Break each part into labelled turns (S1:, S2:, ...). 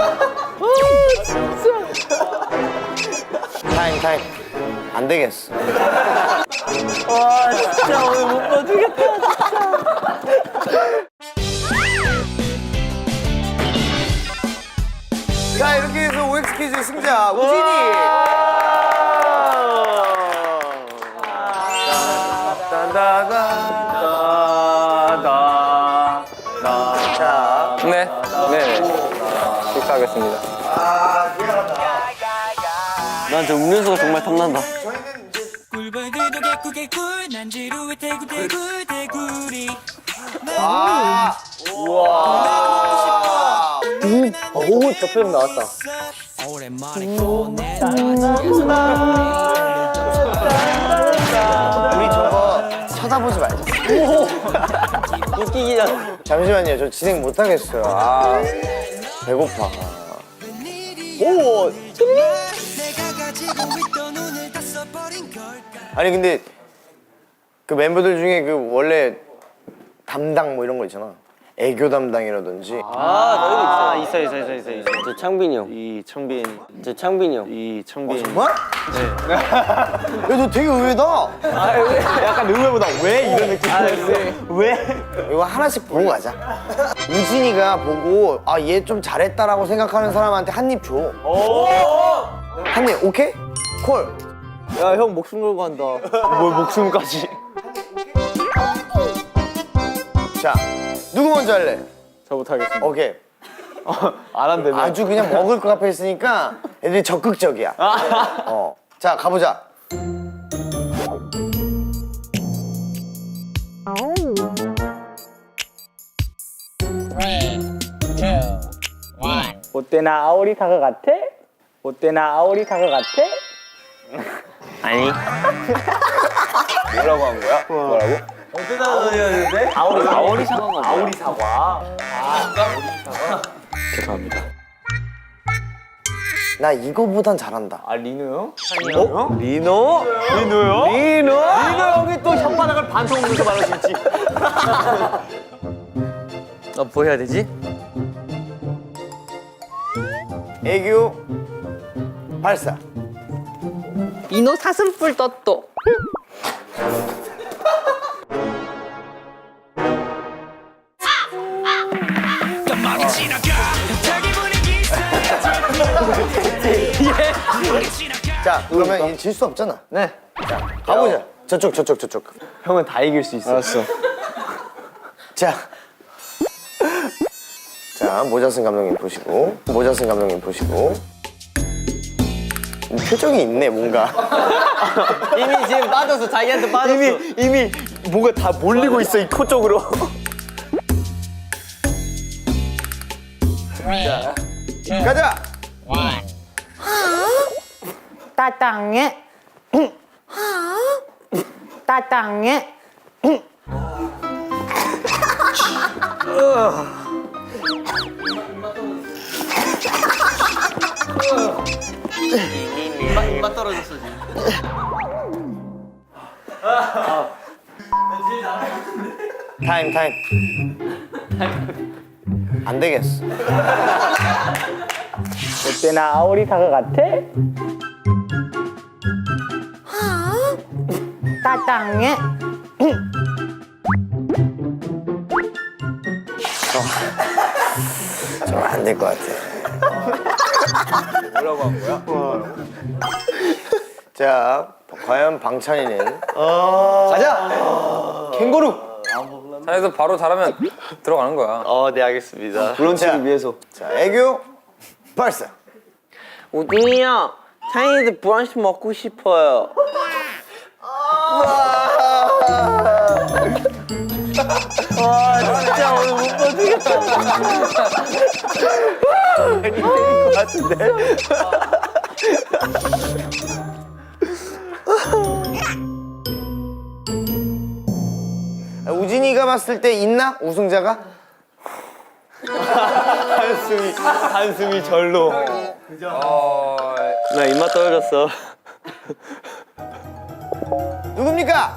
S1: 타임. 안 되겠어.
S2: 와 진짜 오늘 못 봐주겠다 진짜.
S1: 자, 이렇게 해서 OX 퀴즈 승자 우진이. 자,
S3: 네. 식사하겠습니다.
S2: 난 저 음료수가 정말 탐난다.
S4: 꿀벌들도 개꿀 개꿀 난 지루해 대구리
S2: 오, 저 표정 나왔다.
S4: 오랜만에 꺼내
S1: 우리 저거 쳐다보지 말자.
S2: 웃기기 전.
S1: 잠시만요, 저 진행 못 하겠어요. 아, 배고파.
S2: 오,
S4: 내가 가지고 있던 오늘 다 써버린 걸까
S1: 아니 근데 그 멤버들 중에 그 원래 담당 뭐 이런 거 있잖아. 애교 담당이라든지.
S2: 있어. 저 창빈이 형.
S5: 이청빈,
S2: 저 창빈이 형.
S5: 이청빈.
S1: 정말? 네. 야, 너 되게 의외다.
S5: 약간 의외보다 왜 이런 느낌? 왜?
S1: 이거 하나씩 보고 가자. 우진이가 보고 아, 얘 좀 잘했다라고 생각하는 사람한테 한 입 줘. 한 입, 오케이? 콜.
S2: 야, 형 목숨 걸고 한다.
S5: 뭘 목숨까지?
S1: 자, 누구 먼저 할래?
S5: 저부터 하겠습니다.
S1: 오케이.
S5: 안 한대네.
S1: 아주 그냥 먹을 거 앞에 있으니까 애들이 적극적이야. 자, 가보자.
S6: 어때 나 아오리 사과 같아? 어때 나 아오리 사과 같아?
S2: 아니.
S5: 뭐라고 한 거야? 뭐라고?
S2: 아오리 사과가 아오리
S5: 사과. 죄송합니다.
S1: 나 이거보단 잘한다.
S5: 아 리노 형?
S2: 리노?
S5: 리노요?
S2: 리노 형이 또 혓바닥을 반통으로 말할 수 있지. 뭐 해야 되지?
S1: 애교 발사.
S7: 이노 사슴뿔 떴또.
S4: 깜빡이 지나가 자기 분위기
S1: 자, 그러면 질 수 없잖아.
S2: 네.
S1: 자, 가보자. 저쪽.
S5: 형은 다 이길 수 있어. 알았어.
S1: 자, 모자슨 감독님 보시고, 표정이 있네, 뭔가.
S2: 이미 지금 빠졌어. 자기한테 빠졌어.
S5: 이미 뭔가 다 몰리고 있어 이 코 쪽으로.
S1: 가자.
S7: 따땅해. 따땅해.
S2: 입맛 떨어졌어 지금.
S1: 타임. 안 되겠어.
S6: 어때 나 아오리 사과 같아?
S7: 따땅해.
S1: 좀 안 될 것 같아.
S5: 뭐라고 한 거야?
S1: 자, 과연 방찬이는
S5: 가자. 캥거루.
S3: 자네도 바로 잘하면 들어가는 거야.
S5: 네 알겠습니다.
S1: 브런치를
S5: 위해서.
S1: 자, 애교 발사.
S2: 우진이 형, 차이니즈 브런치 먹고 싶어요. 와 진짜 오늘 못 봐주겠다.
S1: 때릴 것 같은데. 우진이가 봤을 때 있나? 우승자가?
S5: 한숨이 절로.
S2: 나 입맛 떨어졌어.
S1: 누굽니까?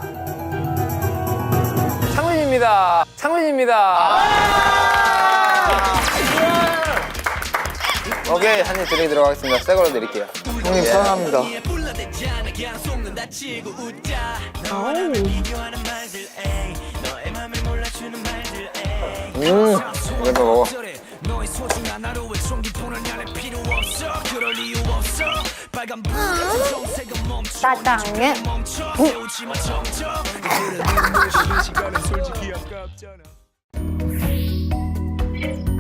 S3: 창민입니다. 오케이 한 입 드리도록 하겠습니다. 새 걸로 드릴게요.
S1: 형님 사랑합니다.
S4: 불러대잖아 그냥 속는 다치고 웃자 너와를 비교하는 말들 에이 너의 맘을 몰라주는 말들 에이
S3: 이거 먹어.
S4: 너의 소중한 하루에 총기폰을 안에 필요 없어 그럴 이유 없어 빨간 불 정색은 멈춰
S7: 따당해.
S4: 멈춰 세우지마 점점 그래 눈물 쉬는 시간은 솔직히 아깝잖아